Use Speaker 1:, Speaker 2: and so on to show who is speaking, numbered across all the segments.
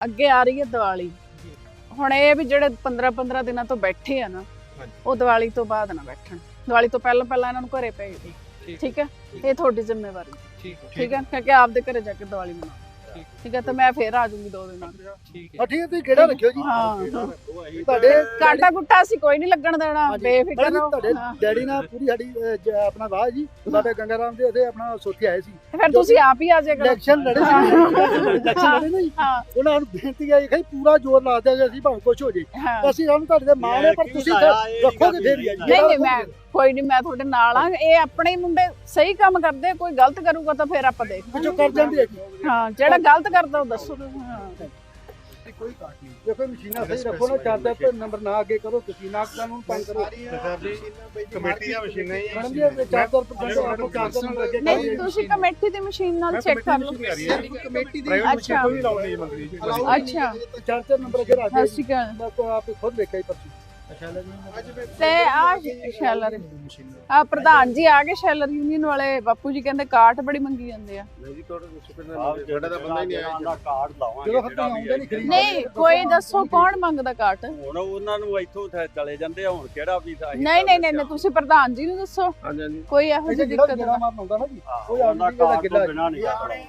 Speaker 1: ਅੱਗੇ ਆ ਰਹੀ ਹੈ ਦੀਵਾਲੀ। ਹੁਣ ਇਹ ਵੀ ਜਿਹੜੇ 15 ਦਿਨਾਂ ਤੋਂ ਬੈਠੇ ਆ ਨਾ, ਉਹ ਦੀਵਾਲੀ ਤੋਂ ਬਾਅਦ ਨਾ ਬੈਠਣ। ਦੀਵਾਲੀ ਤੋਂ ਪਹਿਲਾਂ ਇਹਨਾਂ ਨੂੰ ਘਰੇ ਭੇਜ ਦਿਓ, ਠੀਕ ਹੈ? ਇਹ ਤੁਹਾਡੀ ਜ਼ਿੰਮੇਵਾਰੀ, ਠੀਕ ਹੈ? ਕਿਉਂਕਿ ਆਪਦੇ ਘਰੇ ਜਾ ਕੇ ਦੀਵਾਲੀ ਮਨਾਓ, ਠੀਕ ਹੈ? ਤੇ ਮੈਂ ਫੇਰ ਆ ਜਾਊਂਗੀ 2 ਦਿਨਾਂ ਚ।
Speaker 2: ਠੀਕ ਹੈ, ਤੁਸੀਂ ਕਿਹੜਾ ਰੱਖਿਓ ਜੀ?
Speaker 1: ਹਾਂ,
Speaker 2: ਤੁਹਾਡੇ
Speaker 1: ਕਾਂਟਾ ਗੁੱਟਾ ਅਸੀਂ ਕੋਈ ਨਹੀਂ ਲੱਗਣ ਦੇਣਾ, ਬੇਫਿਕਰ ਰਹੋ।
Speaker 2: ਤੁਹਾਡੇ ਡੈਡੀ ਨਾਲ ਪੂਰੀ ਸਾਡੀ ਆਪਣਾ ਵਾਹ ਜੀ, ਸਾਡੇ ਗੰਗਾ ਰਾਮ ਦੇ ਉੱਥੇ ਆਪਣਾ ਸੋਚੀ ਆਏ ਸੀ।
Speaker 1: ਫਿਰ ਤੁਸੀਂ ਆਪ ਹੀ ਆ ਜਾਇਆ ਕਰੋ।
Speaker 2: ਇਲੈਕਸ਼ਨ ਲੜੇ ਸੀ, ਇਲੈਕਸ਼ਨ ਲੜੇ ਨਹੀਂ। ਉਹਨਾਂ ਨੂੰ ਬੇਨਤੀ ਆਈ ਕਿ ਪੂਰਾ ਜ਼ੋਰ ਲਾ ਦਿਆ ਅਸੀਂ ਭਾਵੇਂ ਕੁਝ ਹੋ ਜੇ, ਅਸੀਂ ਸਾਨੂੰ ਤੁਹਾਡੇ ਦੇ ਮਾਣ ਹੈ, ਪਰ ਤੁਸੀਂ ਰੱਖੋਗੇ ਫੇਰ ਹੀ ਆ ਜੀ।
Speaker 1: ਨਹੀਂ ਮੈਂ ਕੋਈ ਨਹੀਂ, ਮੈਂ ਤੁਹਾਡੇ ਨਾਲ ਆ। ਇਹ ਆਪਣੇ ਮੁੰਡੇ ਸਹੀ ਕੰਮ ਕਰਦੇ, ਕੋਈ ਗਲਤ ਕਰੂਗਾ ਤਾਂ ਫਿਰ ਆਪਾਂ ਦੇਖ
Speaker 2: ਜੋ ਕਰ ਜਾਂਦੀ ਹੈ ਜੀ।
Speaker 1: ਹਾਂ, ਜਿਹੜਾ ਗਲਤ ਕਰਦਾ ਉਹ ਦੱਸੋ।
Speaker 2: ਕੋਈ ਕਾਟ ਨਹੀਂ, ਦੇਖੋ ਮਸ਼ੀਨਾਂ ਸਹੀ ਰੱਖੋ ਨਾ, 4 ਤੇ ਨੰਬਰ ਨਾ ਅੱਗੇ ਕਰੋ, ਤੁਸੀਂ ਨਾ ਕਾਨੂੰਨ ਭੰਗ ਕਰੋ।
Speaker 3: ਕਮੇਟੀ ਦੀਆਂ ਮਸ਼ੀਨਾਂ ਹੀ
Speaker 2: ਮੈਡਮ ਜੀ 4% ਆਪੋ 4 ਨੰਬਰ ਅੱਗੇ
Speaker 1: ਨਹੀਂ, ਤੁਸੀਂ ਕਮੇਟੀ ਦੀ ਮਸ਼ੀਨ ਨਾਲ ਚੈੱਕ ਕਰ ਲਓ।
Speaker 3: ਕਮੇਟੀ ਦੀ
Speaker 1: ਅੱਛਾ
Speaker 3: ਕੋਈ ਲਾਉਣੀ ਨਹੀਂ ਮੰਤਰੀ ਜੀ।
Speaker 1: ਅੱਛਾ,
Speaker 2: 4 ਨੰਬਰ ਅੱਗੇ ਰੱਖ ਦਿਓ।
Speaker 1: ਸਤਿ ਸ਼੍ਰੀ ਅਕਾਲ।
Speaker 2: ਮੈਂ ਆਪ ਖੁਦ ਦੇਖਿਆ ਹੀ ਪਰਚੀ।
Speaker 1: ਤੇ ਆ ਸ਼ੈਲਰ ਆ ਪ੍ਰਧਾਨ ਜੀ ਆ ਗਏ, ਸ਼ੈਲਰ ਯੂਨੀਅਨ ਵਾਲੇ। ਬਾਪੂ ਜੀ ਕਹਿੰਦੇ ਕਾਟ ਬੜੀ ਮੰਗੀ ਜਾਂਦੇ ਆ।
Speaker 3: ਨਹੀਂ ਜੀ, ਤੁਹਾਡਾ ਤਾਂ ਬੰਦਾ ਹੀ ਨਹੀਂ ਆਇਆ ਜੀ।
Speaker 4: ਕਾਰਡ ਲਾਵਾਂਗੇ
Speaker 2: ਜਦੋਂ ਖਤਮ ਆਉਂਦਾ ਨਹੀਂ ਖਰੀਦ
Speaker 1: ਨਹੀਂ, ਕੋਈ ਦੱਸੋ ਕੌਣ ਮੰਗਦਾ ਕਾਟ?
Speaker 4: ਹੁਣ ਉਹਨਾਂ ਨੂੰ ਇੱਥੋਂ ਚਲੇ ਜਾਂਦੇ ਆ, ਹੁਣ ਕਿਹੜਾ ਵੀ ਤਾਂ
Speaker 1: ਨਹੀਂ, ਤੁਸੀਂ ਪ੍ਰਧਾਨ ਜੀ ਨੂੰ ਦੱਸੋ।
Speaker 3: ਹਾਂਜੀ ਹਾਂਜੀ,
Speaker 1: ਕੋਈ ਇਹੋ ਜਿਹੀ ਦਿੱਕਤ
Speaker 2: ਜਿਹੜਾ ਮਾਰ ਆਉਂਦਾ ਨਾ ਜੀ, ਉਹ
Speaker 4: ਉਹਨਾਂ
Speaker 2: ਆਉਂਦੀ
Speaker 4: ਕਾਰਡ
Speaker 2: ਗਿੱਲਾ
Speaker 4: ਤੋਂ ਬਿਨਾਂ ਨਹੀਂ ਕਰਨਾ।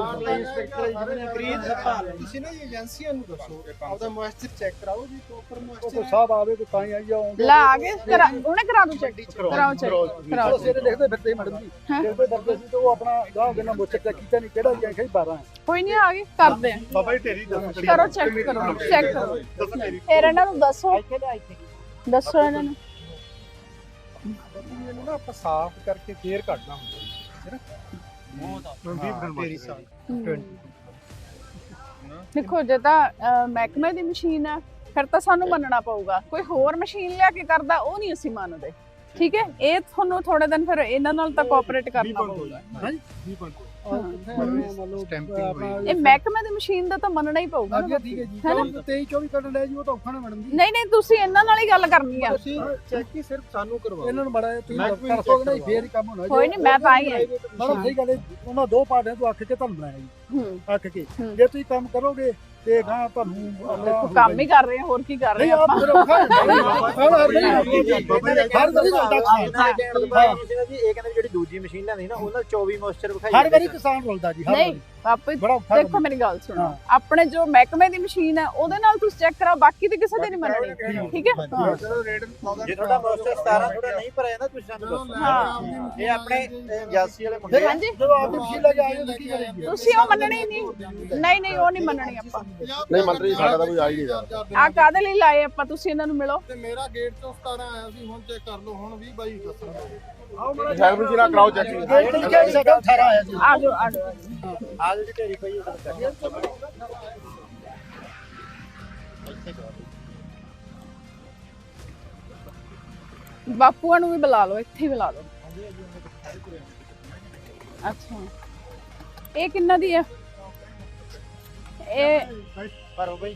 Speaker 3: ਤੁਸੀਂ ਨਾ ਏਜੰਸੀਆਂ ਨੂੰ ਦੱਸੋ, ਆਪਦਾ ਮੋਇਸਚਰ ਚੈੱਕ ਕਰਾਓ ਜੀ, ਪ੍ਰੋਪਰ
Speaker 2: ਉਹ
Speaker 3: ਮੋਇਸਚਰ
Speaker 2: ਸਾਹਿਬ ਆਵੇ ਕੋਈ ਤਾਂ ਹੀ ਆਈ ਆਉਂਦੇ।
Speaker 1: ਲਾ ਆ ਗਏ, ਉਹਨੇ ਕਰਾ ਦੋ ਚੈੱਕ, ਕਰਾਓ ਚੈੱਕ, ਕਰਾਓ।
Speaker 2: ਸਵੇਰੇ ਦੇਖਦੇ ਫਿਰਦੇ ਮੈਡਮ ਜੀ, ਜਿਹੜੇ ਡਰਦੇ ਸੀ ਤੇ ਉਹ ਆਪਣਾ ਗਾਹ ਦੇ ਨਾਲ ਮੋਚਰ ਚੈੱਕ ਕੀਤਾ ਨਹੀਂ, ਕਿਹੜਾ ਜੀ ਆਖਿਆ 12 ਹੈ।
Speaker 1: ਕੋਈ ਨਹੀਂ, ਆ ਗਏ, ਕਰਦੇ ਆ।
Speaker 3: ਬਾਬਾ ਜੀ ਢੇਰੀ ਦੱਸੋ,
Speaker 1: ਕਰੋ ਚੈੱਕ, ਕਰੋ ਚੈੱਕ ਕਰੋ। ਫਿਰ ਇਹਨਾਂ ਨੂੰ ਦੱਸੋ, ਦੱਸੋ ਇਹਨਾਂ ਨੂੰ।
Speaker 3: ਇਹਨੂੰ ਨਾ ਆਪਾਂ ਸਾਫ਼ ਕਰਕੇ ਫੇਰ ਕੱਢਣਾ ਹੁੰਦਾ ਹੈ ਨਾ। ਢੇਰੀ ਸਾਫ਼
Speaker 1: ਦੇਖੋ, ਜੇ ਤਾਂ ਮਹਿਕਮੇ ਦੀ ਮਸ਼ੀਨ ਆ ਫਿਰ ਤਾਂ ਸਾਨੂੰ ਮੰਨਣਾ ਪਊਗਾ। ਕੋਈ ਹੋਰ ਮਸ਼ੀਨ ਲਿਆ ਕੇ ਕਰਦਾ ਉਹ ਨਹੀਂ ਅਸੀਂ ਮੰਨਦੇ, ਠੀਕ ਹੈ? ਇਹ ਤੁਹਾਨੂੰ ਥੋੜੇ ਦਿਨ ਫਿਰ ਇਹਨਾਂ ਨਾਲ ਤਾਂ ਕੋਆਪਰੇਟ ਕਰਨਾ ਪਊਗਾ। ਇਹ ਮਹਿਕਮੇ ਦੀ ਮਸ਼ੀਨ ਦਾ ਤਾਂ ਮੰਨਣਾ ਹੀ ਪਊਗਾ ਨਾ।
Speaker 2: ਠੀਕ ਹੈ ਜੀ, 23-24 ਕੱਢਣ ਲੈ ਜੀ, ਉਹ ਤਾਂ ਔਖਾ ਨਾ ਮੈਡਮ ਜੀ।
Speaker 1: ਨਹੀਂ, ਤੁਸੀਂ ਇਹਨਾਂ ਨਾਲ ਹੀ ਗੱਲ ਕਰਨੀ ਆ।
Speaker 3: ਤੁਸੀਂ ਚੈੱਕ ਹੀ ਸਿਰਫ ਸਾਨੂੰ ਕਰਵਾਓ।
Speaker 2: ਇਹਨਾਂ ਨੂੰ ਬੜਾ ਤੁਸੀਂ ਕਰਸੋਗੇ ਨਾ, ਫੇਰ ਹੀ ਕੰਮ ਹੋਣਾ।
Speaker 1: ਕੋਈ ਨਹੀਂ, ਮੈਂ ਤਾਂ ਆਈ ਹਾਂ।
Speaker 2: ਮੈਡਮ ਸਹੀ ਗੱਲ ਹੈ, ਉਹਨਾਂ 2 ਪਾਰਟੀਆਂ ਤੋਂ ਅੱਖ ਕੇ ਤੁਹਾਨੂੰ ਬਣਾਇਆ ਜੀ, ਅੱਖ ਕੇ। ਜੇ ਤੁਸੀਂ ਕੰਮ ਕਰੋਗੇ ਤੇ ਗਾਂ ਤੁਹਾਨੂੰ
Speaker 1: ਕੰਮ ਹੀ ਕਰ ਰਹੇ ਆ, ਹੋਰ ਕੀ ਕਰ ਰਹੇ
Speaker 2: ਨਹੀਂ
Speaker 1: ਆ
Speaker 2: ਆਪ ਫਿਰ ਔਖਾ ਹੈ।
Speaker 5: ਇਹ ਕਹਿੰਦੇ ਜਿਹੜੀ ਦੂਜੀ ਮਸ਼ੀਨ ਲੈਂਦੀ ਨਾ, ਉਹਨਾਂ 24 ਮੋਇਸਚਰ ਵਿਖਾਈ
Speaker 2: ਹਰ ਵਾਰੀ ਕਿਸਾਨ ਰੁਲਦਾ ਜੀ, ਹਰ
Speaker 1: ਨਹੀਂ
Speaker 2: ਵਾਰੀ
Speaker 1: ਆਪੇ
Speaker 2: ਬੜਾ ਔਖਾ
Speaker 1: ਦੇਖੋ, ਮੇਰੀ ਗੱਲ ਸੁਣੋ। ਆਪਣੇ ਜੋ ਮਹਿਕਮੇ ਦੀ ਮਸ਼ੀਨ ਹੈ ਉਹਦੇ ਨਾਲ ਤੁਸੀਂ ਚੈੱਕ ਕਰਾਓ, ਬਾਕੀ ਦੀ ਕਿਸੇ ਦੀ ਨਹੀਂ ਮੰਨਣੀ, ਠੀਕ ਹੈ?
Speaker 5: ਜੇ ਤੁਹਾਡਾ ਮੋਇਸਚਰ 17 ਥੋੜਾ ਨਹੀਂ ਭਰਿਆ ਨਾ, ਤੁਸੀਂ ਸਾਨੂੰ ਦੱਸੋ। ਇਹ ਆਪਣੇ ਏਜੰਸੀ ਵਾਲੇ ਮੁੰਡੇ
Speaker 1: ਹਾਂਜੀ,
Speaker 2: ਜਦੋਂ ਆਪਦੀ ਮਸ਼ੀਨ ਲੈ ਕੇ ਆਏ ਹੋ ਕੀ ਕਰੇਗੀ?
Speaker 1: ਤੁਸੀਂ ਉਹ ਮੰਨਣੀ ਨਹੀਂ। ਨਹੀਂ, ਉਹ ਨਹੀਂ ਮੰਨਣੀ ਆਪਾਂ।
Speaker 3: ਨਹੀਂ ਮੰਤਰੀ ਸਾਡਾ ਤਾਂ ਕੋਈ ਆ ਹੀ ਨਹੀਂ ਰਿਹਾ।
Speaker 1: ਆ ਕਾਹਦੇ ਲਈ ਲਾਏ ਆਪਾਂ? ਤੁਸੀਂ ਇਹਨਾਂ ਨੂੰ ਮਿਲੋ।
Speaker 3: ਤੇ ਮੇਰਾ ਗੇਟ ਤੋਂ 17 ਆਇਆ ਸੀ, ਹੁਣ ਚੈੱਕ ਕਰ ਲਓ, ਹੁਣ 20-22 ਦੱਸਣਾ। ਸ਼ਾਇਦ ਵੀ ਜਿਹੜਾ ਕਰਾਓ ਚੈੱਕ।
Speaker 2: ਗੇਟ ਤੇ ਕਿਹਾ ਸਾਡਾ 18 ਆਇਆ ਜੀ।
Speaker 1: ਆ ਜਾਓ, ਆ ਜਾਓ।
Speaker 5: ਆ ਜਿਹੜੀ ਢੇਰੀ ਪਈ ਉਹ
Speaker 1: ਬਾਪੂਆਂ ਨੂੰ ਵੀ ਬੁਲਾ ਲਓ, ਇੱਥੇ ਹੀ ਬੁਲਾ ਲਓ। ਅੱਛਾ, ਇਹ ਕਿੰਨਾ ਦੀ ਹੈ? ਇਹ
Speaker 5: ਭਰੋ ਬਈ।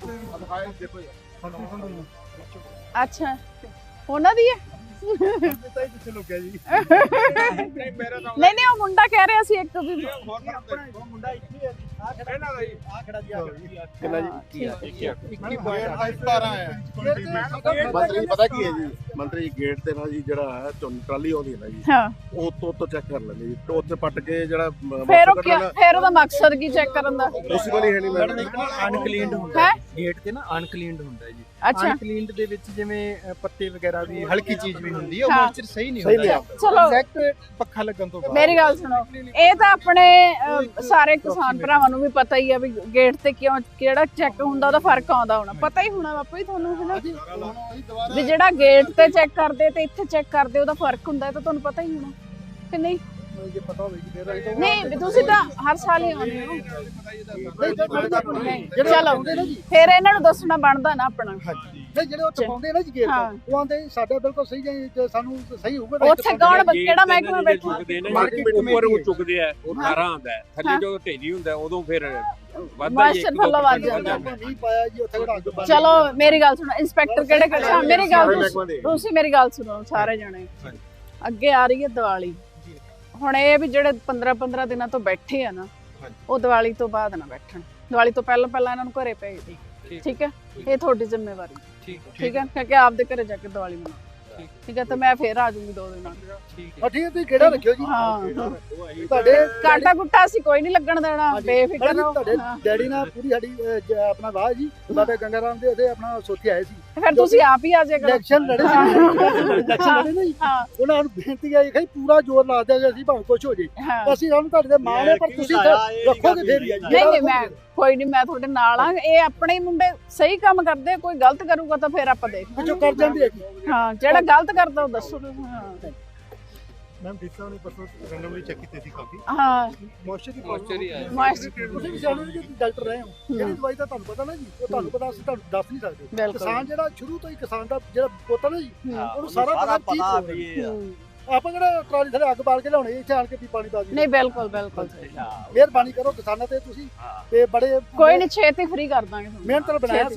Speaker 1: ਅੱਛਾ, ਉਹਨਾਂ ਦੀ ਹੈ?
Speaker 3: ਕਿੱਥੇ ਲੁਕਿਆ ਜੀ?
Speaker 1: ਨਹੀਂ, ਉਹ ਮੁੰਡਾ ਕਹਿ ਰਿਹਾ ਸੀ ਇੱਕ ਵੀ।
Speaker 5: ਉਹ ਮੁੰਡਾ ਇੱਥੇ ਆ ਖੜਾ ਜੀ,
Speaker 3: ਕਿੰਨਾ ਜੀ? 17 ਆਇਆ।
Speaker 1: ਮੰਤਰੀ
Speaker 3: ਮੰਤਰੀ ਪਤਾ ਕੀ ਹੈ ਜੀ, ਮੰਤਰੀ ਗੇਟ ਤੇ ਨਾ ਜੀ ਜਿਹੜਾ ਹੈ ਟਰਾਲੀ ਆਉਂਦੀ ਹੈ ਨਾ ਜੀ,
Speaker 1: ਹਾਂ,
Speaker 3: ਉਹ ਤੋਂ ਚੈੱਕ ਕਰ ਲੈਂਦੇ ਜੀ, ਉੱਥੇ ਪੱਟ ਕੇ ਜਿਹੜਾ
Speaker 1: ਫਿਰ ਉਹਦਾ ਮਕਸਦ ਕੀ ਚੈੱਕ ਕਰਨ ਦਾ?
Speaker 3: ਪੋਸੀਬਲ ਹੀ ਹੈ ਨਹੀਂ ਮੈਡਮ।
Speaker 6: ਅਨਕਲੀਨਡ ਹੁੰਦਾ
Speaker 1: ਹੈ
Speaker 6: ਗੇਟ ਤੇ ਨਾ, ਅਨਕਲੀਨਡ ਹੁੰਦਾ ਜੀ।
Speaker 1: ਅੱਛਾ,
Speaker 6: ਅਨਕਲੀਨਡ ਦੇ ਵਿੱਚ ਜਿਵੇਂ ਪੱਤੇ ਵਗੈਰਾ ਵੀ ਹਲਕੀ ਚੀਜ਼ ਵੀ ਹੁੰਦੀ ਹੈ, ਉਹ
Speaker 1: ਹਾਂ।
Speaker 6: ਮੋਇਸਚਰ ਸਹੀ ਨਹੀਂ ਹੁੰਦਾ।
Speaker 1: ਚਲੋ
Speaker 6: ਐਗਜ਼ੈਕਟ ਪੱਖਾ ਲੱਗਣ ਤੋਂ ਬਾਅਦ।
Speaker 1: ਮੇਰੀ ਗੱਲ ਸੁਣੋ, ਇਹ ਤਾਂ ਆਪਣੇ ਸਾਰੇ ਕਿਸਾਨ ਭਰਾਵਾਂ ਨੂੰ ਵੀ ਪਤਾ ਹੀ ਆ ਵੀ ਗੇਟ ਤੇ ਕਿਹੜਾ ਚੈੱਕ ਹੁੰਦਾ, ਉਹਦਾ ਫਰਕ ਆਉਂਦਾ ਹੋਣਾ, ਪਤਾ ਹੀ ਹੋਣਾ ਬਾਪੂ ਜੀ ਤੁਹਾਨੂੰ, ਹੈ ਨਾ? ਵੀ ਜਿਹੜਾ ਗੇਟ ਤੇ ਚੈੱਕ ਕਰਦੇ ਤੇ ਇੱਥੇ ਚੈੱਕ ਕਰਦੇ ਉਹਦਾ ਫਰਕ ਹੁੰਦਾ, ਇਹ ਤਾਂ ਤੁਹਾਨੂੰ ਪਤਾ ਹੀ ਹੋਣਾ ਕਿ ਨਹੀਂ?
Speaker 2: ਜੇ ਪਤਾ ਹੋਵੇ ਕਿ ਫੇਰ ਅਸੀਂ
Speaker 1: ਨਹੀਂ, ਵੀ ਤੁਸੀਂ ਤਾਂ ਹਰ ਸਾਲ ਹੀ ਆਉਂਦੇ ਹੋ। ਚਲੋ, ਫਿਰ ਇਹਨਾਂ ਨੂੰ ਦੱਸਣਾ ਬਣਦਾ ਨਾ ਆਪਣਾ।
Speaker 2: ਨਹੀਂ ਜਿਹੜੇ ਉਹ ਟਪਾਉਂਦੇ ਨਾ ਜੀ ਗੇਟ ਉਹ ਆਂਦੇ ਸਾਡਾ ਬਿਲਕੁਲ ਸਹੀ ਜੇ ਸਾਨੂੰ ਸਹੀ ਹੋਊਗਾ।
Speaker 1: ਉੱਥੇ ਕੌਣ ਕਿਹੜਾ ਮਹਿਕਮਾ ਬੈਠਾ?
Speaker 4: ਮਾਰਕੀਟ ਉੱਪਰ ਉਹ ਚੁੱਕਦੇ ਆ, ਉਹ 18 ਆਉਂਦਾ ਹੈ, ਥੱਲੇ ਜਦੋਂ ਢੇਰੀ ਹੁੰਦਾ ਉਦੋਂ ਫਿਰ ਵੱਧਦਾ ਹੀ
Speaker 1: ਮਾਸਟਰ ਥੱਲੋਂ ਵੱਧ ਜਾਂਦਾ।
Speaker 2: ਨਹੀਂ ਪਾਇਆ ਜੀ ਉੱਥੇ ਕਿਹੜਾ ਅੱਗ
Speaker 1: ਚਲੋ ਮੇਰੀ ਗੱਲ ਸੁਣੋ, ਇੰਸਪੈਕਟਰ ਕਿਹੜੇ ਮੇਰੀ ਗੱਲ ਤੁਸੀਂ ਮੇਰੀ ਗੱਲ ਸੁਣੋ ਸਾਰੇ ਜਣੇ। ਅੱਗੇ ਆ ਰਹੀ ਹੈ ਦੀਵਾਲੀ। ਹੁਣ ਇਹ ਵੀ ਜਿਹੜੇ 15 ਦਿਨਾਂ ਤੋਂ ਬੈਠੇ ਆ ਨਾ, ਉਹ ਦੀਵਾਲੀ ਤੋਂ ਬਾਅਦ ਨਾ ਬੈਠਣ। ਦੀਵਾਲੀ ਤੋਂ ਪਹਿਲਾਂ ਇਹਨਾਂ ਨੂੰ ਘਰੇ ਭੇਜ ਦਿਓ ਠੀਕ ਹੈ ਇਹ ਤੁਹਾਡੀ ਜ਼ਿੰਮੇਵਾਰੀ ਠੀਕ ਹੈ ਕਿ ਆਪਦੇ ਘਰੇ ਜਾ ਕੇ ਦੀਵਾਲੀ ਮਨਾਓ ਠੀਕ ਹੈ ਤੇ ਮੈਂ ਫੇਰ ਆ ਜਾਊਂਗੀ 2 ਦਿਨਾਂ
Speaker 2: ਹਾਂ ਠੀਕ ਹੈ ਤੁਸੀਂ ਕਿਹੜਾ ਰੱਖਿਓ ਜੀ
Speaker 1: ਹਾਂ
Speaker 2: ਤੁਹਾਡੇ
Speaker 1: ਕਾਂਟਾ ਗੁੱਟਾ ਅਸੀਂ ਕੋਈ ਨਹੀਂ ਲੱਗਣ ਦੇਣਾ ਬੇਫਿਕਰ ਰਹੋ
Speaker 2: ਤੁਹਾਡੇ ਡੈਡੀ ਨਾਲ ਪੂਰੀ ਸਾਡੀ ਆਪਣਾ ਵਾਹ ਜੀ ਬਾਬਾ ਗੰਗਾ ਰਾਮ ਦੇ ਉਹਦੇ ਆਪਣਾ ਸੋਚੀ ਆਏ ਸੀ
Speaker 1: ਫਿਰ ਤੁਸੀਂ ਆਪ ਹੀ ਆ ਜਾਇਆ ਕਰੋ
Speaker 2: ਇਲੈਕਸ਼ਨ ਲੜੇ ਸੀ ਇਲੈਕਸ਼ਨ ਲੜੇ ਨਹੀਂ ਉਹਨਾਂ ਨੂੰ ਬੇਨਤੀ ਆਈ ਕਿ ਪੂਰਾ ਜ਼ੋਰ ਲਾ ਦਿਆਂਗੇ ਅਸੀਂ ਭਾਵੇਂ ਕੁਝ ਹੋ ਜੇ ਅਸੀਂ ਸਾਨੂੰ ਤੁਹਾਡੇ ਦੇ ਮਾਣ ਹੈ ਪਰ ਤੁਸੀਂ ਰੱਖੋਗੇ ਫੇਰ ਹੀ
Speaker 1: ਨਹੀਂ ਮੈਂ ਕੋਈ ਨਹੀਂ ਮੈਂ ਤੁਹਾਡੇ ਨਾਲ ਆ ਇਹ ਆਪਣੇ ਮੁੰਡੇ ਸਹੀ ਕੰਮ ਕਰਦੇ ਕੋਈ ਗਲਤ ਕਰੂਗਾ ਤਾਂ ਫਿਰ ਆਪਾਂ ਦੇਖ
Speaker 2: ਜੋ ਕਰ ਜਾਂਦੀ ਹੈ
Speaker 1: ਹਾਂ ਜਿਹੜਾ ਗਲਤ ਕਰਦਾ ਉਹ ਦੱਸੋ ਹਾਂ
Speaker 6: ਮੈਮ ਡਿਸਕਾਊਂਟ ਨੇ ਪਰਸੋਂ ਰੈਂਡਮਲੀ ਚੈੱਕ ਕੀਤੇ ਸੀ ਕਾਫੀ
Speaker 1: ਹਾਂ
Speaker 6: ਮੋਇਸਚਰ ਦੀ
Speaker 2: ਤੁਸੀਂ ਵੀ ਜਾਣੋ ਜੀ ਡਾਕਟਰ ਰਹੇ ਹੋ ਜਿਹੜੀ ਦਵਾਈ ਦਾ ਤੁਹਾਨੂੰ ਪਤਾ ਨਾ ਜੀ ਉਹ ਤੁਹਾਨੂੰ ਪਤਾ ਅਸੀਂ ਤੁਹਾਨੂੰ ਦੱਸ ਨਹੀਂ ਸਕਦੇ ਕਿਸਾਨ ਜਿਹੜਾ ਸ਼ੁਰੂ ਤੋਂ ਹੀ ਕਿਸਾਨ ਦਾ ਜਿਹੜਾ ਪੁੱਤ ਨਾ ਜੀ ਉਹਨੂੰ ਸਾਰਾ ਪਤਾ ਵੀ ਆਪਾਂ ਕਿਹੜਾ ਟਰਾਲੀ ਥਲੇ ਅੱਗ ਬਾਲ ਕੇ ਲਿਆਉਣੇ ਇੱਥੇ ਆਣ ਕੇ ਵੀ ਪਾਣੀ ਪਾ ਦੀ
Speaker 1: ਨਹੀਂ ਬਿਲਕੁਲ
Speaker 2: ਮਿਹਰਬਾਨੀ ਕਰੋ ਕਿਸਾਨਾਂ ਤੇ ਤੁਸੀਂ ਤੇ ਬੜੇ
Speaker 1: ਕੋਈ ਨਹੀਂ ਛੇਤੀ ਫ੍ਰੀ ਕਰ ਦਾਂਗੇ
Speaker 2: ਮਿਹਨਤ ਨਾਲ ਬਣਾਇਆ